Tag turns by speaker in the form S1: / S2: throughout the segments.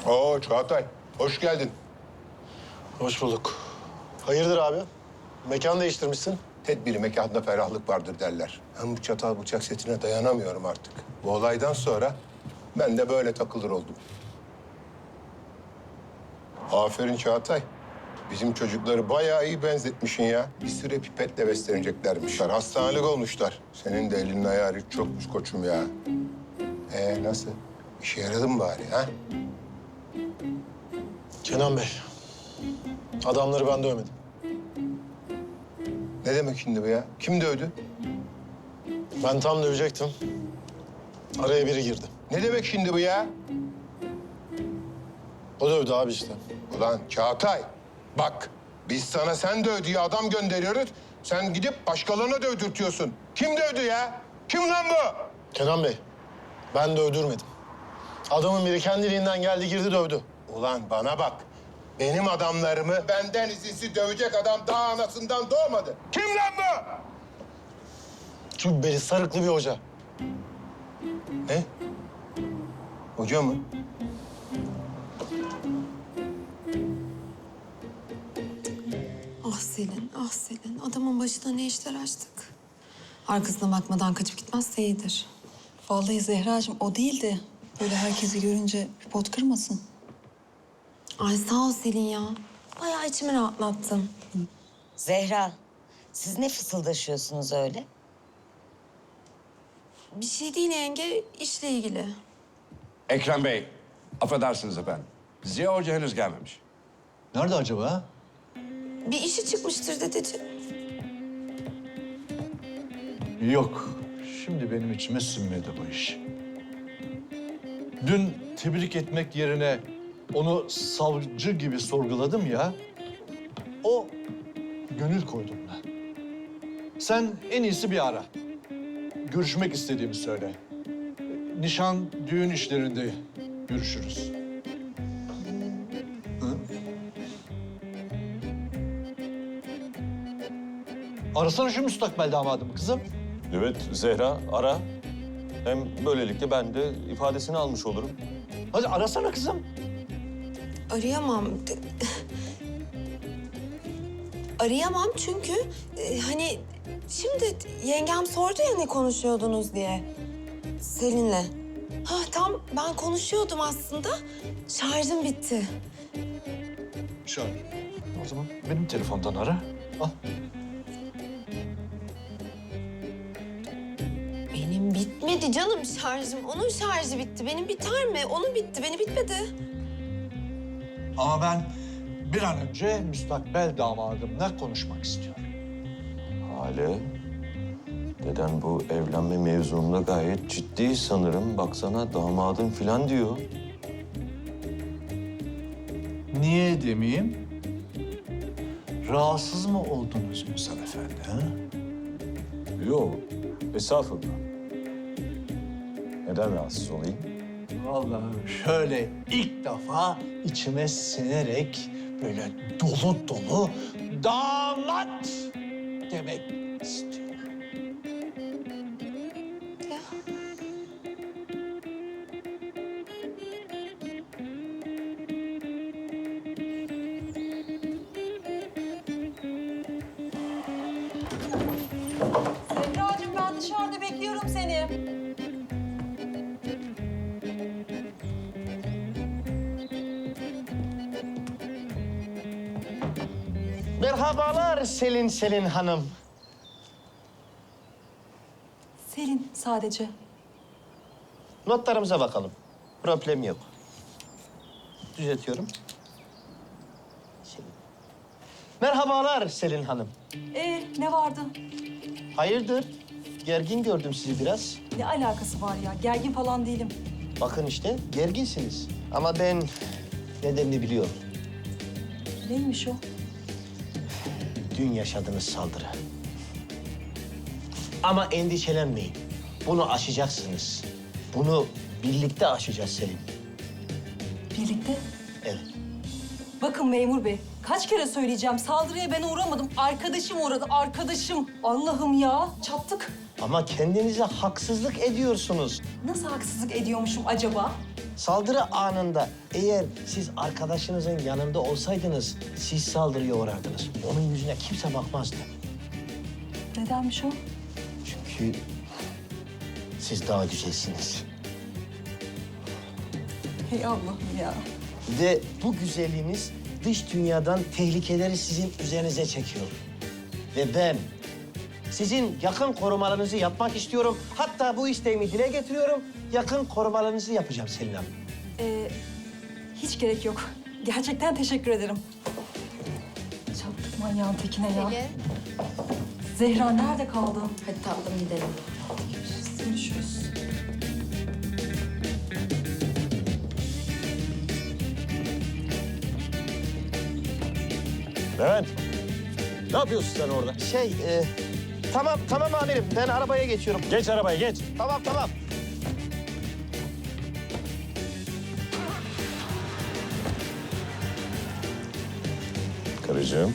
S1: Oo Çağatay, hoş geldin.
S2: Hoş bulduk. Hayırdır abi? Mekan değiştirmişsin.
S1: Tedbiri mekanda ferahlık vardır derler. Ben bu çatal bıçak setine dayanamıyorum artık. Bu olaydan sonra ben de böyle takılır oldum. Aferin Çağatay. Bizim çocukları bayağı iyi benzetmişsin ya. Bir süre pipetle besleneceklermiş. Hastanelik olmuşlar. Senin de elinin ayarı çokmuş koçum ya. Nasıl? İşe yaradı mı bari ha?
S2: Kenan Bey, adamları ben dövmedim.
S1: Ne demek şimdi bu ya? Kim dövdü?
S2: Ben tam dövecektim. Araya biri girdi.
S1: Ne demek şimdi bu ya?
S2: O dövdü abi işte.
S1: Ulan Çağatay, bak biz sana sen döv diye adam gönderiyoruz. Sen gidip başkalarına dövdürtüyorsun. Kim dövdü ya? Kim lan bu?
S2: Kenan Bey, ben dövdürmedim. Adamın biri kendiliğinden geldi girdi dövdü.
S1: Ulan bana bak. Benim adamlarımı benden izinsiz dövecek adam daha anasından doğmadı. Kim lan bu?
S2: Cübbeli sarıklı bir hoca.
S1: Ne? Hoca mı?
S3: Ah Selin, ah Selin. Adamın başına ne işler açtık. Arkasına bakmadan kaçıp gitmezse iyidir.
S4: Vallahi Zehracığım o değil de böyle herkesi görünce bir pot kırmasın.
S3: Ay sağ ol Selin ya. Bayağı içimi rahatlattın.
S5: Zehra, siz ne fısıldaşıyorsunuz öyle?
S3: Bir şey değil yenge, işle ilgili.
S6: Ekrem Bey, affedersiniz efendim. Ziya Hoca henüz gelmemiş.
S7: Nerede acaba?
S3: Bir işi çıkmıştır dedeciğim.
S7: Yok. Şimdi benim içime sinmedi bu iş. Dün tebrik etmek yerine onu savcı gibi sorguladım ya. O gönül koydum ben. Sen en iyisi bir ara. Görüşmek istediğimi söyle. Nişan, düğün işlerinde görüşürüz. Arasana şu müstakbel damadımı kızım.
S8: Evet Zehra ara. Hem böylelikle ben de ifadesini almış olurum.
S7: Hadi arasana kızım.
S3: Arayamam. Arayamam çünkü hani şimdi yengem sordu ya ne konuşuyordunuz diye. Selin'le. Ha tam ben konuşuyordum aslında. Şarjım bitti.
S7: Şöyle. O zaman benim telefondan ara. Al.
S3: Benim bitmedi canım şarjım. Onun şarjı bitti. Benim biter mi? Onun bitti. Benim bitmedi.
S7: Ama ben bir an önce müstakbel damadımla konuşmak istiyorum.
S8: Hale, deden bu evlenme mevzunda gayet ciddi sanırım. Baksana damadım falan diyor.
S7: Niye demeyeyim? Rahatsız mı oldunuz Ünsal Efendi, ha?
S8: Yok, estağfurullah. Neden rahatsız olayım?
S7: Vallahi şöyle ilk defa içime sinerek böyle dolu dolu damat demek istiyorum.
S3: Ya.
S4: Zehracığım ben dışarıda bekliyorum seni.
S9: Merhabalar Selin Hanım.
S4: Selin sadece.
S9: Notlarımıza bakalım. Problem yok. Düzeltiyorum. Selin. Merhabalar Selin Hanım.
S4: Ne vardı?
S9: Hayırdır? Gergin gördüm sizi biraz.
S4: Ne alakası var ya? Gergin falan değilim.
S9: Bakın işte gerginsiniz. Ama ben nedenini biliyorum.
S4: Neymiş o?
S9: Dün yaşadığınız saldırı. Ama endişelenmeyin. Bunu aşacaksınız. Bunu birlikte aşacağız Selin.
S4: Birlikte.
S9: Evet.
S4: Bakın memur bey, kaç kere söyleyeceğim. Saldırıya ben uğramadım. Arkadaşım uğradı, arkadaşım. Allah'ım ya, çattık.
S9: Ama kendinize haksızlık ediyorsunuz.
S4: Nasıl haksızlık ediyormuşum acaba?
S9: Saldırı anında eğer siz arkadaşınızın yanında olsaydınız siz saldırıya uğrardınız. Onun yüzüne kimse bakmazdı.
S4: Nedenmiş o?
S9: Çünkü siz daha güzelsiniz.
S4: Hey Allah'ım ya.
S9: Ve bu güzelliğiniz dış dünyadan tehlikeleri sizin üzerinize çekiyor. Ve ben sizin yakın korumalarınızı yapmak istiyorum. Hatta bu isteğimi dile getiriyorum. Yakın korumalarınızı yapacağım Selin Hanım.
S4: Hiç gerek yok. Gerçekten teşekkür ederim. Çattık manyağın tekine ya. Zehra nerede kaldı?
S3: Hadi tatlım gidelim.
S4: Görüşürüz.
S8: Levent, ne yapıyorsun sen orada?
S9: Tamam amirim. Ben arabaya geçiyorum.
S8: Geç arabaya, geç.
S9: Tamam.
S8: Karıcığım,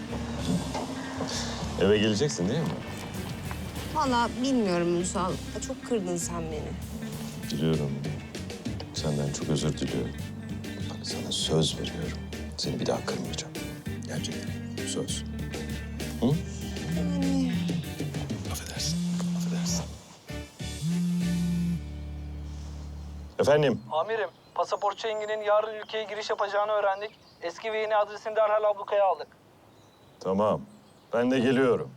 S8: eve geleceksin değil mi?
S10: Vallahi bilmiyorum Ünsal. Çok kırdın sen beni.
S8: Biliyorum. Senden çok özür diliyorum. Bak sana söz veriyorum. Seni bir daha kırmayacağım. Gerçekten. Söz. Hı? Affedersin. Efendim?
S11: Amirim, pasaportçu Engin'in yarın ülkeye giriş yapacağını öğrendik. Eski ve yeni adresini derhal ablukaya aldık.
S8: Tamam. Ben de geliyorum.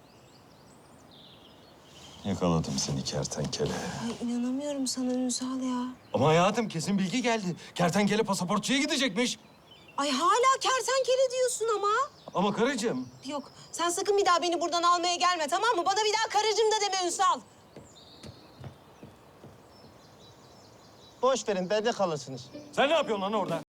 S8: Yakaladım seni kertenkele.
S10: Ay inanamıyorum sana Ünsal ya.
S8: Ama hayatım kesin bilgi geldi. Kertenkele pasaportçuya gidecekmiş.
S10: Ay hala kertenkele diyorsun ama.
S8: Ama karıcığım.
S10: Yok sen sakın bir daha beni buradan almaya gelme tamam mı? Bana bir daha karıcığım da deme Ünsal.
S9: Boş verin, bende kalırsınız.
S8: Sen ne yapıyorsun lan orada?